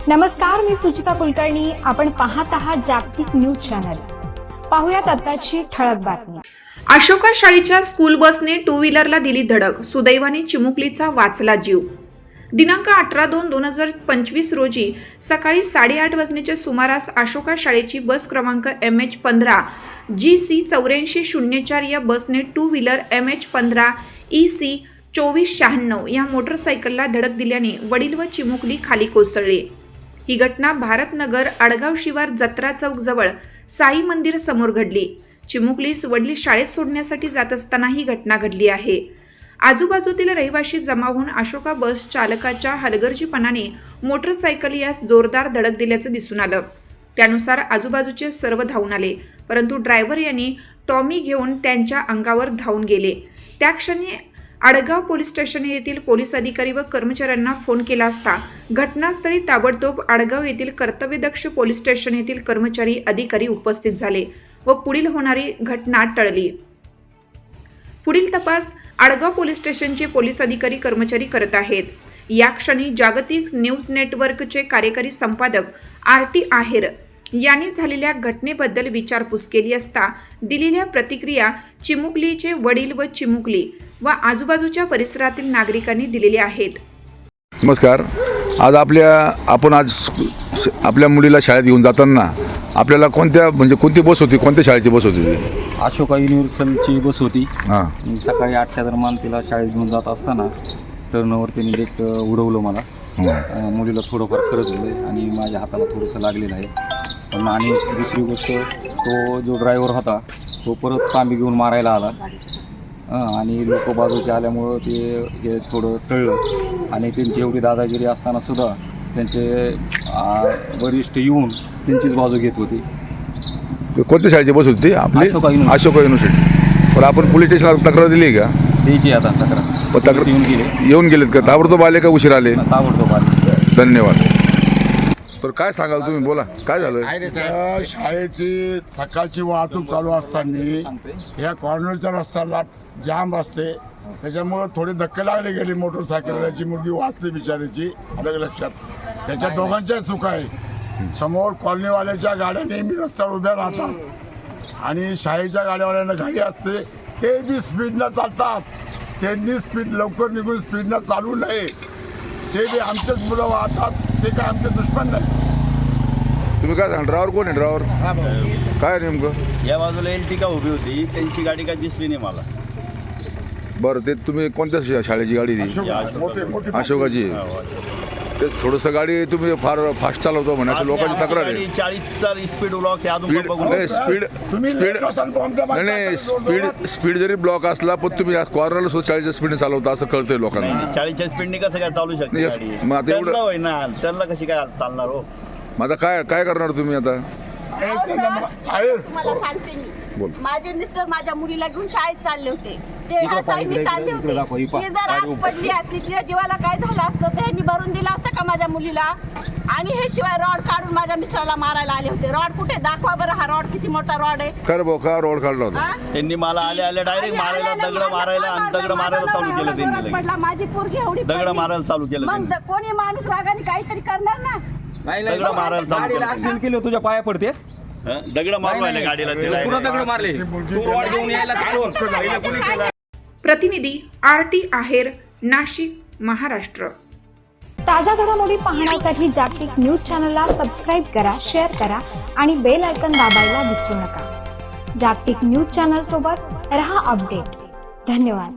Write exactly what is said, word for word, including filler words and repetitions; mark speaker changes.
Speaker 1: नमस्कार, मी सुचिता कुलकर्णी. आपण पाहत आहात जागतिक न्यूज चॅनल. पाहुयात आताची ठळक बातमी.
Speaker 2: अशोका शाळेच्या स्कूल बसने टू व्हीलरला दिली धडक. सुदैवाने चिमुकलीचा वाचला जीव. दिनांक अठरा दोन दोन हजार पंचवीस रोजी सकाळी साडेआठ वाजण्याच्या सुमारास अशोका शाळेची बस क्रमांक एम एच पंधरा जी सी चौऱ्याऐंशी शून्य चार या बसने टू व्हीलर एम एच पंधरा ई सी चोवीस शहाण्णव या मोटरसायकलला धडक दिल्याने वडील व चिमुकली खाली कोसळली. ही घटना भारतनगर आडगाव शिवार जत्रा चौक जवळ साई मंदिर समोर घडली. चिमुकलीस वडील शाळेत सोडण्यासाठी जात असताना ही घटना घडली आहे. आजूबाजूतील रहिवाशी जमा होऊन अशोका बस चालकाच्या हलगर्जीपणाने मोटरसायकल यास जोरदार धडक दिल्याचं दिसून आलं. त्यानुसार आजूबाजूचे सर्व धावून आले, परंतु ड्रायव्हर यांनी टॉमी घेऊन त्यांच्या अंगावर धावून गेले. त्या क्षणी आडगाव पोलीस स्टेशन येथील पोलीस अधिकारी व कर्मचाऱ्यांना फोन केला असता घटनास्थळी ताबडतोब आडगाव येथील कर्तव्यदक्ष पोलीस स्टेशन येथील कर्मचारी अधिकारी उपस्थित झाले व पुढील होणारी घटना टळली. पुढील तपास आडगाव पोलीस स्टेशनचे पोलीस अधिकारी कर्मचारी करत आहेत. या क्षणी जागतिक न्यूज नेटवर्कचे कार्यकारी संपादक आर टी आहेर यांनी झालेल्या घटनेबद्दल विचारपूस केली असता दिलेल्या प्रतिक्रिया चिमुकलीचे वडील व चिमुकली व आजूबाजूच्या परिसरातील नागरिकांनी दिलेल्या आहेत.
Speaker 3: नमस्कार. आज आपल्या आपण आज आपल्या मुलीला शाळेत घेऊन जाताना आपल्याला कोणत्या म्हणजे कोणती बस होती, कोणत्या शाळेची बस होती?
Speaker 4: अशोका युनिव्हर्सलची बस होती.
Speaker 3: हां.
Speaker 4: सकाळी आठच्या दरम्यान तिला शाळेत घेऊन जात असताना टर्नवर त्यांनी लेट उडवलं मला. मुलीला थोडंफार खरंच झालं आणि माझ्या हाताला थोडंसं लागलेलं आहे. पण आणि दुसरी गोष्ट, तो जो ड्रायव्हर होता तो परत तांबी घेऊन मारायला आला आणि लोक बाजूचे आल्यामुळं ते हे थोडं टळलं आणि त्यांची एवढी दादागिरी असताना सुद्धा त्यांचे वरिष्ठ येऊन त्यांचीच बाजू घेत होती.
Speaker 3: कोणत्या शाळेची बस होती आपली?
Speaker 4: अशोका युनिव्हर्सिटी.
Speaker 3: अशोका युनिव्हर्सिटी. पण आपण पोलीस स्टेशनला तक्रार दिली का?
Speaker 4: द्यायची आता तक्रार.
Speaker 3: तक्रार
Speaker 4: येऊन गेले
Speaker 3: येऊन गेलेत का? ताबडतोब आले का उशीर आले?
Speaker 4: ताबडतोब आले.
Speaker 3: धन्यवाद. तर काय सांगाल तुम्ही, बोला काय झालं?
Speaker 5: तर शाळेची सकाळची वाहतूक चालू असताना ह्या कॉर्नरच्या रस्त्याला जाम असते, त्याच्यामुळं थोडे धक्के लागले गेले मोटरसायकलची. मुलगी वाचली बिचारीची, अलग लक्षात. त्याच्या दोघांच्या चुका आहे. समोर कॉलनीवाल्याच्या गाड्या नेहमी रस्त्यावर उभ्या राहतात आणि शाळेच्या गाड्यावाल्यांना घाई असते, ते बी स्पीडनं चालतात. त्यांनी स्पीड लवकर निघून स्पीडनं चालू नये. ते बी आमचेच मुलं वाहतात, ते काय आमचे दुश्मन नाही.
Speaker 3: तुम्ही काय सांगा, ड्रायव्हर कोण आहे? ड्रायव्हर काय नेमकं?
Speaker 6: या बाजूला एल्टिका उभी होती, त्यांची गाडी काय दिसली नाही मला.
Speaker 3: बरं, ते तुम्ही कोणत्या शा- शाळेची गाडी ती? अशोकाची. ते थोडंसं गाडी तुम्ही फार फास्ट चालवतो म्हणे असं लोकांची तक्रार आहे.
Speaker 6: चाळीसचा स्पीड ब्लॉक आहे अजून
Speaker 3: स्पीड
Speaker 6: बघून.
Speaker 3: नाही, स्पीड स्पीड नाही नाही स्पीड स्पीड जरी ब्लॉक असला पण तुम्ही कॉर्नरला सुद्धा चाळीसच्या स्पीडने चालवता असं कळतंय लोकांना.
Speaker 6: चाळीसच्या स्पीडने कसं काय चालू शकते
Speaker 3: नाही,
Speaker 6: गाडी?
Speaker 3: मग आता एवढं-
Speaker 6: त्यांना होय ना, त्यांना कशी काय चालणार हो?
Speaker 3: मग आता काय काय करणार तुम्ही आता?
Speaker 7: तुम्हाला सांगते
Speaker 3: बोल.
Speaker 7: मी, माझे मिस्टर माझ्या मुलीला घेऊन शाळेत चालले होते. ते ह्या साईडने चालले होते. ती जर आज पडली असती, तिच्या जीवाला काय झालं असतं, त्यांनी भरून दिलं असतं का माझ्या मुलीला? आणि हे शिवाय रॉड काढून माझ्या मिस्टरला मारायला आले होते. रॉड कुठे? दाखवा बरं, हा रॉड किती मोठा रॉड आहे.
Speaker 3: कर भाऊ, का रोड काढला होता?
Speaker 7: हा?
Speaker 6: त्यांनी मला आले आले डायरेक्ट मारायला, दगड मारायला आणि दगड मारायला चालू केलं त्यांनी लगेच.
Speaker 7: पडला माझी पोरगी एवढी
Speaker 6: दगड
Speaker 7: पडली.
Speaker 6: मारायला चालू केलं
Speaker 7: मग
Speaker 6: त्यांनी.
Speaker 7: द- कोणी माणूस रागाने काहीतरी करणार ना.
Speaker 4: नाही
Speaker 6: दगड मारायला चालू
Speaker 4: गाडीला
Speaker 6: केलं.
Speaker 4: ऍक्सिडेंट केलं, तुझ्या पाया पडते.
Speaker 6: हं? दगड मारू राहिले गाडीला ते direct.
Speaker 4: पुन्हा दगड मारले. तू रॉड घेऊन यायला तिकडून.
Speaker 2: प्रतिनिधी आर टी आहेर, नाशिक, महाराष्ट्र.
Speaker 1: ताज्या घडामोडी पाहण्यासाठी जागतिक न्यूज चॅनलला सबस्क्राईब करा, शेअर करा आणि बेल आयकॉन दाबायला विसरू नका. जागतिक न्यूज चॅनल सोबत रहा अपडेट. धन्यवाद.